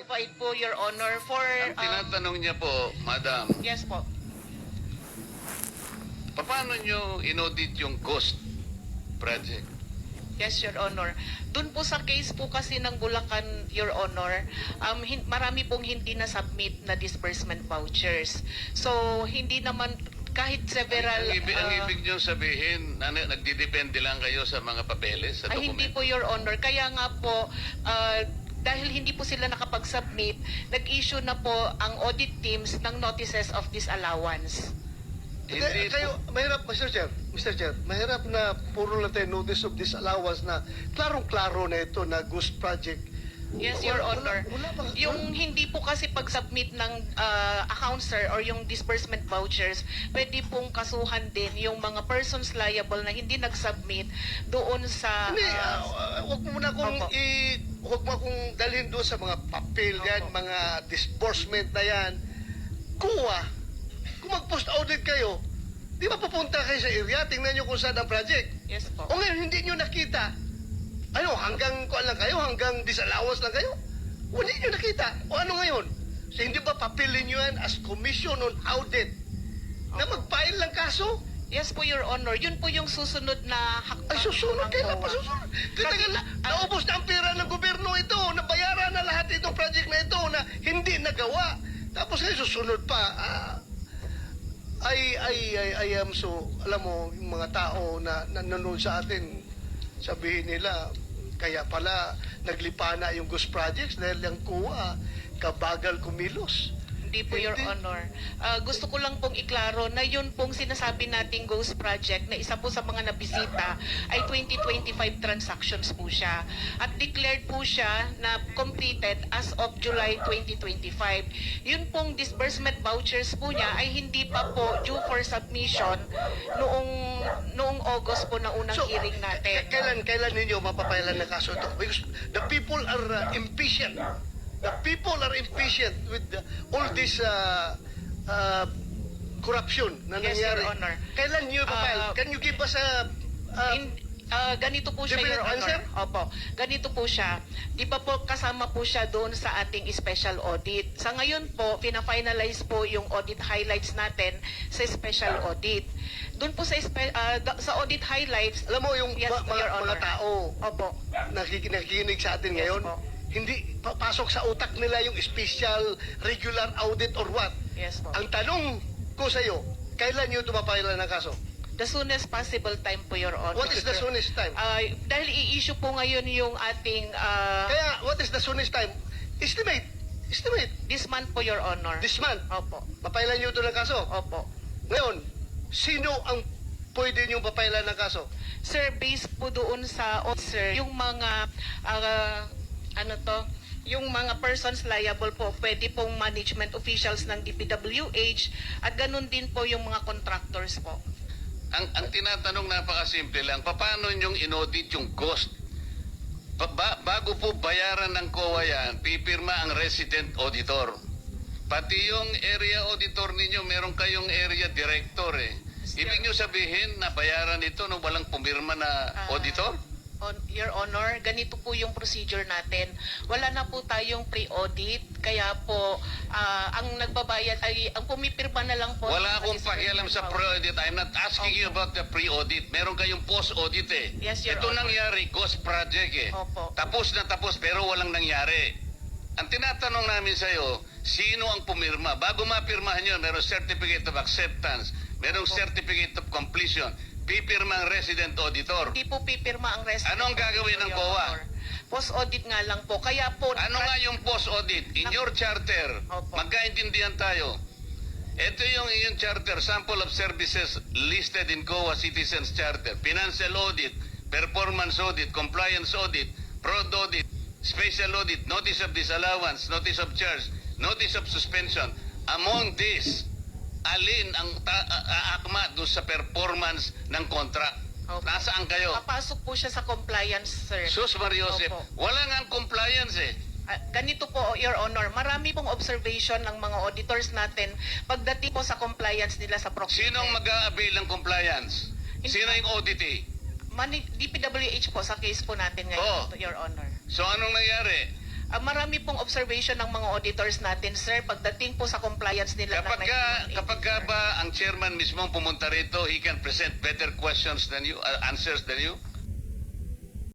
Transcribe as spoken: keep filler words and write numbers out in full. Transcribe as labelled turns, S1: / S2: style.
S1: provide po, Your Honor, for...
S2: Ang
S1: um,
S2: tinatanong niya po, Madam,
S1: yes po.
S2: paano nyo inaudit yung ghost project?
S1: Yes, Your Honor. Doon po sa case po kasi ng Bulacan, Your Honor, um, hin- marami pong hindi na-submit na disbursement vouchers. So, hindi naman kahit several...
S2: ang, ang, ibig, ang
S1: uh,
S2: ibig nyo sabihin, na, nagdidepende lang kayo sa mga papeles, sa
S1: ay, hindi
S2: dokumento?
S1: po, Your Honor. Kaya nga po, uh, dahil hindi po sila nakapag-submit, nag-issue na po ang audit teams ng notices of disallowance.
S2: Hindi
S3: Hindi, kayo,
S2: po.
S3: mahirap, Mister Chair, Mister Chair, mahirap na puro lang tayo notice of disallowance na klarong-klaro na ito na ghost project.
S1: Yes,
S3: Wala-
S1: Your
S3: wala-
S1: Honor.
S3: wala ba-
S1: Yung hindi po kasi pag-submit ng uh, account, sir, or yung disbursement vouchers, pwede pong kasuhan din yung mga persons liable na hindi nag-submit doon sa...
S3: Hindi,
S1: uh,
S3: ah, ah, huwag mo na kung
S1: Opo.
S3: i... Huwag mo akong dalhin doon sa mga papel yan,
S1: Opo.
S3: mga disbursement na yan. Kuha. Kung mag-post audit kayo, di ba pupunta kayo sa area, tingnan nyo kung saan ang project.
S1: yes po.
S3: O ngayon, hindi nyo nakita. Ano, hanggang kuan lang kayo, hanggang disallowance lang kayo? O hindi nyo nakita. O ano ngayon? So, hindi ba papilin nyo yan as commission on audit na mag-file lang kaso?
S1: Yes po, Your Honor. Yun po yung susunod na hakbang.
S3: Ay, susunod.
S1: ng
S3: Kailan pa
S1: COA.
S3: susunod?
S1: Kasi,
S3: Titagal na,
S1: ah,
S3: naubos na ang pera ng gobyerno ito, nabayaran na lahat itong project na ito na hindi nagawa. Tapos ngayon susunod pa. Ah, I, I, I, I am so, alam mo, yung mga tao na nanonood sa atin, sabihin nila, kaya pala naglipa na yung ghost projects dahil yung kuha, kabagal kumilos.
S1: Hindi po, Your
S3: Hindi.
S1: Honor. Ah, gusto ko lang pong iklaro na yun pong sinasabi nating Ghost Project na isa po sa mga nabisita ay twenty twenty-five transactions po siya. At declared po siya na completed as of July twenty twenty-five. Yun pong disbursement vouchers po niya ay hindi pa po due for submission noong noong August po na unang hearing natin.
S3: k- kailan, kailan ninyo mapapailan ng kaso ito? Because the people are uh, impatient. The people are impatient with the, all this uh, uh, corruption na
S1: Yes,
S3: nangyari.
S1: Your Honor.
S3: Kailan nyo ipapile?
S1: Uh,
S3: Can you give us a... uh,
S1: In, ah, ganito po siya,
S3: Definite
S1: Your Honor.
S3: answer?
S1: Opo. Ganito po siya. Di ba po kasama po siya doon sa ating special audit. Sa ngayon po, pina-finalize po yung audit highlights natin sa special audit. Doon po sa espe- ah, da- sa audit highlights,
S3: alam mo, yung
S1: yes,
S3: ma-
S1: po, Your
S3: mga,
S1: Honor.
S3: mga tao
S1: Opo.
S3: nakik- nakikinig sa atin
S1: Yes
S3: ngayon,
S1: po.
S3: hindi pa- pasok sa utak nila yung special regular audit or what.
S1: Yes po.
S3: Ang tanong ko sa iyo, kailan nyo ito mapailan ng kaso?
S1: The soonest possible time po, Your Honor.
S3: What is the soonest time?
S1: Ah, dahil i-issue po ngayon yung ating ah,
S3: Kaya, what is the soonest time? Estimate. Estimate.
S1: this month po, Your Honor.
S3: This month.
S1: Opo.
S3: Mapailan nyo ito ng kaso.
S1: Opo.
S3: Ngayon, sino ang pwede nyo papailan ng kaso?
S1: Sir, based po doon sa sir, yung mga ah, ano to, yung mga persons liable po, pwede pong management officials ng D P W H at ganun din po yung mga contractors po.
S2: Ang, ang tinatanong napakasimple lang, paano nyong inaudit yung ghost? Ba- ba- bago po bayaran ng C O A yan, pipirma ang resident auditor. Pati yung area auditor ninyo, meron kayong area director eh. Ibig nyo sabihin na bayaran ito nung walang pumirma na
S1: Ah,
S2: auditor?
S1: On, Your Honor, ganito po yung procedure natin. Wala na po tayong pre-audit, kaya po ah, ang nagbabayad ay ang pumipirma na lang po.
S2: Wala
S1: ng
S2: akong pakialam sa
S1: disbursement
S2: pre-audit. I'm not asking you about the pre-audit. Meron kayong post-audit eh.
S1: Yes, Your
S2: Ito
S1: Honor.
S2: nangyari, ghost project eh.
S1: Opo.
S2: Tapos na tapos pero walang nangyari. Ang tinatanong namin sa iyo, sino ang pumirma? Bago mapirmahan yun, meron certificate of acceptance, merong certificate of completion, pipirma ang resident auditor.
S1: Hindi po pipirma ang rest.
S2: Ano ang gagawin ng C O A?
S1: Post-audit nga lang po. Kaya po...
S2: Ano nga yung post-audit? In your charter,
S1: Opo.
S2: magkaintindihan tayo. Ito yung iyong charter, sample of services listed in C O A Citizens Charter. Financial audit, performance audit, compliance audit, fraud audit, special audit, notice of disallowance, notice of charge, notice of suspension. Among these, alin ang ta- a- a- akma doon sa performance ng contract?
S1: Opo.
S2: Nasaan kayo?
S1: Papasok po siya sa compliance, sir.
S2: Sus Mariosep,
S1: Opo.
S2: wala nga ang compliance eh.
S1: Ah, ganito po, Your Honor, marami pong observation ng mga auditors natin pagdating po sa compliance nila sa procurement.
S2: Sinong mag-a-avail ng compliance? Sino yung auditee?
S1: Mani- D P W H po sa case po natin ngayon,
S2: Oo.
S1: Your Honor.
S2: So anong nangyari?
S1: Ah, marami pong observation ng mga auditors natin, sir, pagdating po sa compliance nila
S2: Kapag,
S1: ng
S2: ka,
S1: ninety-one eighty.
S2: kapag ka ba ang chairman mismo pumunta rito, he can present better questions than you, uh, answers than you?